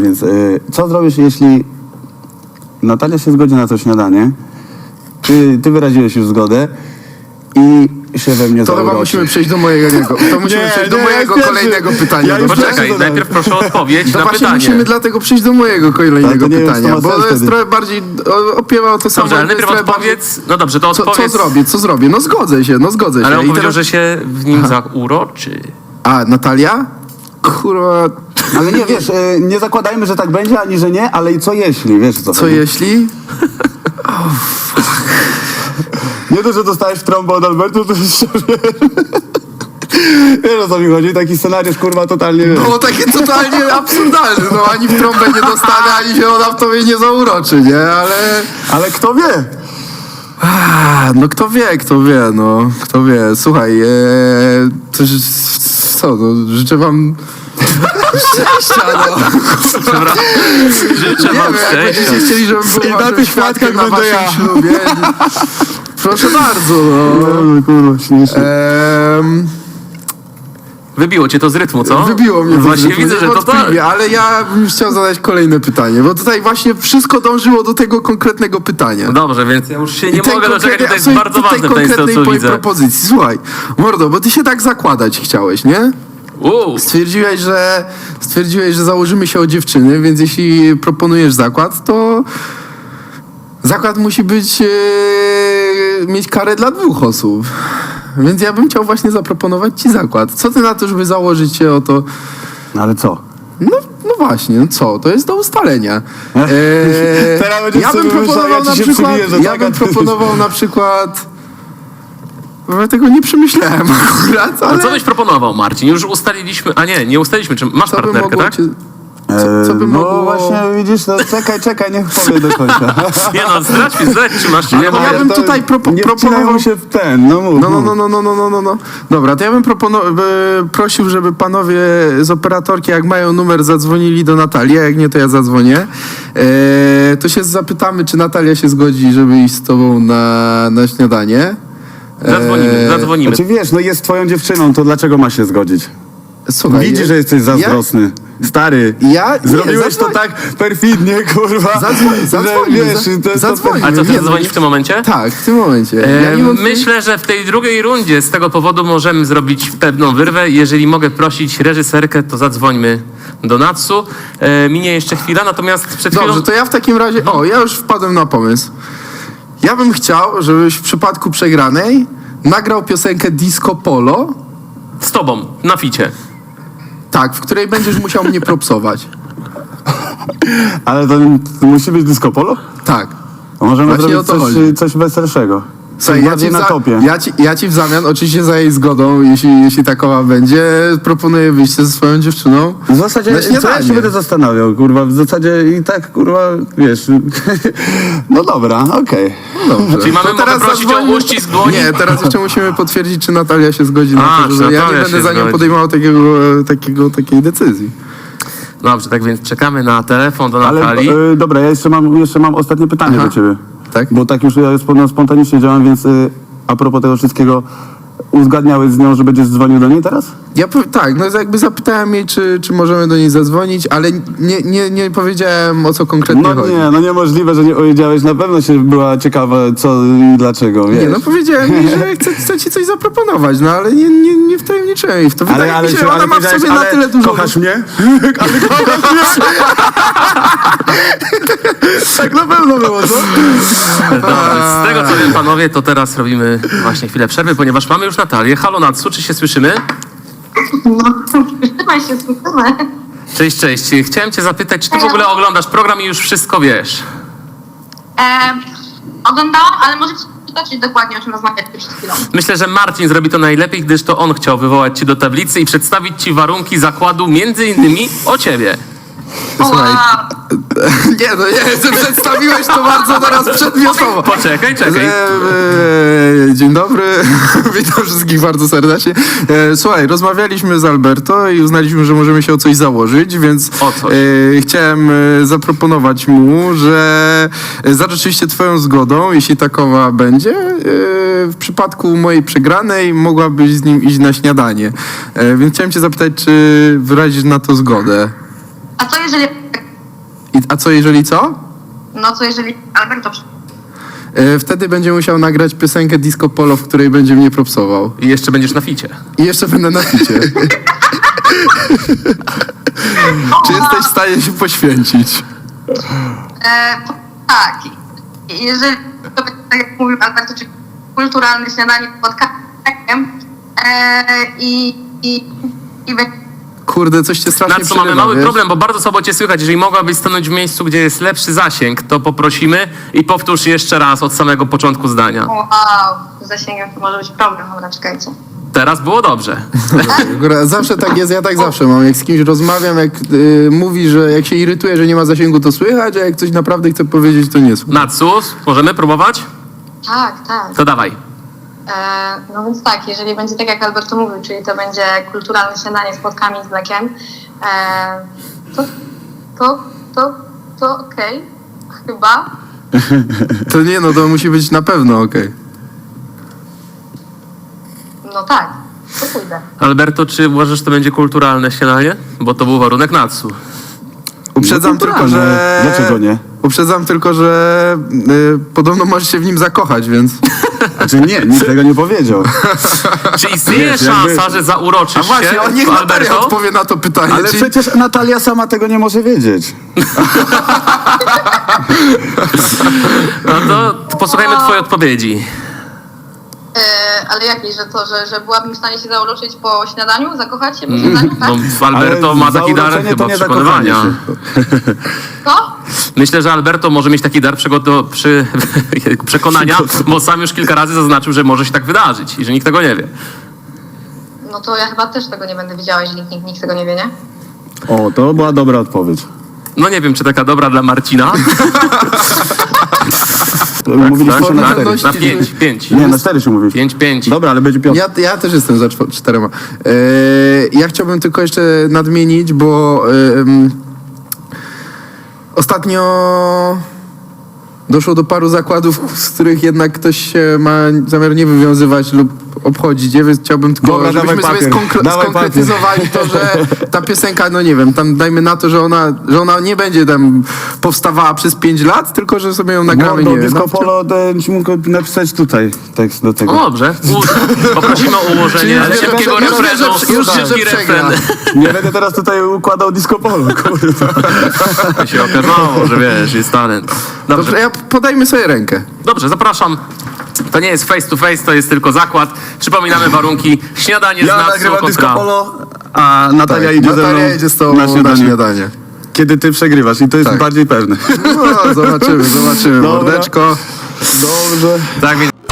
więc co zrobisz, jeśli Natalia się zgodzi na to śniadanie, ty wyraziłeś już zgodę i się we mnie To chyba zauroczy. musimy przejść do mojego, kolejnego pytania. Ja już Poczekaj, pierwszy najpierw proszę o odpowiedź No na właśnie pytanie. musimy dlatego przejść do mojego kolejnego Ale to nie wiem, pytania, co ma bo sens to jest wtedy. trochę bardziej opiewa o to samo. Dobrze, ale jest najpierw trochę odpowiedz. No dobrze, to bardziej- odpowiedz. Co zrobię? No zgodzę się. Ale on I powiedział, teraz- że się w nim zauroczy. A, Natalia? Kurwa, Ale nie, wiesz, nie zakładajmy, że tak będzie, ani że nie, ale i co jeśli, wiesz co? co jeśli? Nie to, że dostałeś trąbę od Albertu, to jeszcze wiesz o co mi chodzi, taki scenariusz, kurwa, totalnie, wiesz. Było takie totalnie absurdalne, no ani w trąbę nie dostanę, ani się ona w tobie nie zauroczy, nie? Ale kto wie? No kto wie, no. Kto wie. Słuchaj, co, no, życzę wam szczęścia, no. Życzę Nie wam wiem, jak szczęścia. będziecie chcieli, żebym I był na waszym tych świadkiem świadkach na będę waszym ja. ślubie. Proszę bardzo, no. No, kurwa, śmiesznie. Wybiło cię to z rytmu, co? Wybiło mnie to Właśnie z rytmu, widzę, że to niewątpliwie, ale ja bym chciał zadać kolejne pytanie, bo tutaj właśnie wszystko dążyło do tego konkretnego pytania. No dobrze, więc ja już się nie I tej mogę doczekać, konkretnej- to jest absolutnie bardzo tej ważne w tej konkretnej co twojej widzę. propozycji. Słuchaj, mordo, bo ty się tak zakładać chciałeś, nie? Stwierdziłeś, że założymy się o dziewczyny, więc jeśli proponujesz zakład, to zakład musi być mieć karę dla 2 osób. Więc ja bym chciał właśnie zaproponować ci zakład. Co ty na to, żeby założyć się o to? No ale co? No właśnie, no co? To jest do ustalenia. Teraz będziesz Ja bym sobie proponował wymyślał, na ja ci się przykład... przybiję, że Ja tak, bym a ty- proponował na przykład... Bo ja tego nie przemyślałem akurat, A ale... co byś proponował, Marcin? Już ustaliliśmy, a nie ustaliliśmy, czy masz Co by partnerkę, mogło tak? cię... Co by no mogło... właśnie widzisz, no czekaj, niech powie do końca. Nie no, zdradź, czy masz, czy nie, bo ja bym to tutaj nie proponował... wcinają się w ten, no mów. No. Dobra, to ja bym prosił, żeby panowie z operatorki, jak mają numer, zadzwonili do Natalii, a jak nie, to ja zadzwonię. To się zapytamy, czy Natalia się zgodzi, żeby iść z tobą na śniadanie. Zadzwonimy. Znaczy wiesz, no jest twoją dziewczyną, to dlaczego ma się zgodzić? Słuchaj, Widzi, że jesteś zazdrosny. Stary, zrobiłeś to tak perfidnie, kurwa. Zadzwonimy, że, wiesz, to jest zadzwonimy. A co, ty Nie, zadzwonisz w tym momencie? Tak, w tym momencie. Ja nie wątpię- Myślę, że w tej drugiej rundzie z tego powodu możemy zrobić pewną wyrwę. Jeżeli mogę prosić reżyserkę, to zadzwońmy do Natsu. Minie jeszcze chwila, natomiast przed chwilą... Dobrze, to ja w takim razie... O, ja już wpadłem na pomysł. Ja bym chciał, żebyś w przypadku przegranej nagrał piosenkę Disco Polo, Z tobą, na ficie. tak, w której będziesz musiał mnie propsować. Ale to musi być disco polo? Tak. A możemy Właśnie o zrobić to chodzi. coś weselszego. Coś Słuchaj, bardziej na topie. ja ci w zamian, oczywiście za jej zgodą, jeśli takowa będzie, proponuję wyjście ze swoją dziewczyną. W zasadzie, na co ja śniadanie. się będę zastanawiał, kurwa, w zasadzie i tak, kurwa, wiesz, no dobra, okej. Dobrze. Czyli mamy To teraz mogę prosić o zadzwońmy- uścisk dłoni? Nie, teraz jeszcze musimy potwierdzić, czy Natalia się zgodzi na A, to, czy że ja nie Natalia będę się za nią zgodzi. podejmował takiej decyzji. Dobrze, tak więc czekamy na telefon do Ale Natalii. dobra, ja jeszcze mam ostatnie pytanie do ciebie. Tak? Bo tak już ja spontanicznie działam, więc a propos tego wszystkiego, uzgadniałeś z nią, że będziesz dzwonił do niej teraz? Tak, no jakby zapytałem jej, czy możemy do niej zadzwonić, ale nie powiedziałem, o co konkretnie No chodzi. nie, no niemożliwe, że nie powiedziałeś. Na pewno się była ciekawa, co i dlaczego, wiesz. Nie, no powiedziałem jej, że chcę ci coś zaproponować, no ale nie wtajemniczyłem jej w to. Wydaje mi się, że ona ma w powiedziałeś, sobie na ale tyle dużo... kochasz mnie? Ale kochasz mnie? Tak na pewno było, co? Dobrze, z tego co wiem, panowie, to teraz robimy właśnie chwilę przerwy, ponieważ mamy już Natalię. Halo Natsu, czy się słyszymy? No, trzymaj się, słyszymy. Cześć. Chciałem cię zapytać, czy ty w ogóle oglądasz program i już wszystko wiesz? Oglądałam, ale możecie przytoczyć dokładnie, o czym rozmawialiśmy przed chwilą. Myślę, że Marcin zrobi to najlepiej, gdyż to on chciał wywołać cię do tablicy i przedstawić ci warunki zakładu, między innymi o ciebie. Słuchaj, nie, przedstawiłeś to bardzo teraz przedmiotowo. Poczekaj. Dzień dobry, witam wszystkich bardzo serdecznie. Słuchaj, rozmawialiśmy z Alberto i uznaliśmy, że możemy się o coś założyć, więc O coś. chciałem zaproponować mu, że za rzeczywiście twoją zgodą, jeśli takowa będzie, w przypadku mojej przegranej mogłabyś z nim iść na śniadanie. Więc chciałem cię zapytać, czy wyrazisz na to zgodę? A co jeżeli A co jeżeli co? No co jeżeli Alberto Wtedy będzie musiał nagrać piosenkę Disco Polo, w której będzie mnie propsował. I jeszcze będziesz na ficie. I jeszcze będę na ficie. Czy jesteś w stanie się poświęcić? Tak. Jeżeli to będzie, tak jak mówił Alberto, czyli kulturalne śniadanie pod kakiem i będzie Kurde, coś cię strasznie Na co mamy przerywa, mały wiesz? problem, bo bardzo słabo cię słychać. Jeżeli mogłabyś stanąć w miejscu, gdzie jest lepszy zasięg, to poprosimy i powtórz jeszcze raz od samego początku zdania. wow, z zasięgiem to może być problem, dobra, czekajcie. Teraz było dobrze. Akurat zawsze tak jest, ja tak zawsze mam. Jak z kimś rozmawiam, jak mówi, że jak się irytuje, że nie ma zasięgu, to słychać, a jak coś naprawdę chce powiedzieć, to nie słychać. Natsu, możemy próbować? Tak, tak. To dawaj. No więc tak, jeżeli będzie tak jak Alberto mówił, czyli to będzie kulturalne śniadanie z płotkami z mlekiem, to okej, chyba. To nie, no to musi być na pewno okej. No tak, to pójdę. Alberto, czy uważasz, że to będzie kulturalne śniadanie? Bo to był warunek Natsu. Uprzedzam No, tylko, kulturalne. że... Dlaczego nie? Uprzedzam tylko, że podobno możesz się w nim zakochać, więc... Znaczy nie, nikt tego nie powiedział. Czy istnieje Wiesz, jakby- szansa, że zauroczysz A właśnie, się, on niech Natalia Alberto? odpowie na to pytanie. Ale Czy- przecież Natalia sama tego nie może wiedzieć. No to posłuchajmy twojej odpowiedzi. Ale jakiej, że to, że byłabym w stanie się zauroczyć po śniadaniu, zakochać się po śniadaniu, tak? No, Alberto Ale ma taki dar zauroczenie chyba to nie przekonywania. zakochanie Co? Myślę, że Alberto może mieć taki dar przekonania, bo sam już kilka razy zaznaczył, że może się tak wydarzyć i że nikt tego nie wie. No to ja chyba też tego nie będę wiedziała, jeżeli nikt tego nie wie, nie? O, to była dobra odpowiedź. No nie wiem, czy taka dobra dla Marcina. Mówiliśmy tak, na tak. 4. Na 5. Nie, na 4 się mówi. 5. Dobra, ale będzie 5. Ja też jestem za 4. Ja chciałbym tylko jeszcze nadmienić, bo ostatnio doszło do paru zakładów, z których jednak ktoś się ma zamiar nie wywiązywać lub obchodzić, nie? Więc chciałbym tylko, Dobra, żebyśmy dawaj sobie papier. Dawaj skonkretyzowali to, że ta piosenka, no nie wiem, tam dajmy na to, że ona nie będzie tam powstawała przez 5 lat, tylko że sobie ją nagramy, Mordo, nie wiem. Disco Polo, to mógł napisać tutaj tekst do tego. No dobrze. Poprosimy o ułożenie Czyli szybkiego już wie, że- refrenu. już wie, że Szybki przegra. refren. Nie będę teraz tutaj układał Disco Polo, kurwa. To się okazało, że wiesz, jest talent. Dobrze, Dobrze, podajmy sobie rękę. dobrze, zapraszam. To nie jest face to face, to jest tylko zakład. Przypominamy warunki. Śniadanie z Ja Natsu nagrywam Disco kontra... Polo, a Natalia idzie ze mną Natalia idzie z tobą na na śniadanie. Kiedy ty przegrywasz i to jest Tak. bardziej pewne. No, zobaczymy, Dobra. mordeczko. Dobrze. Tak, więc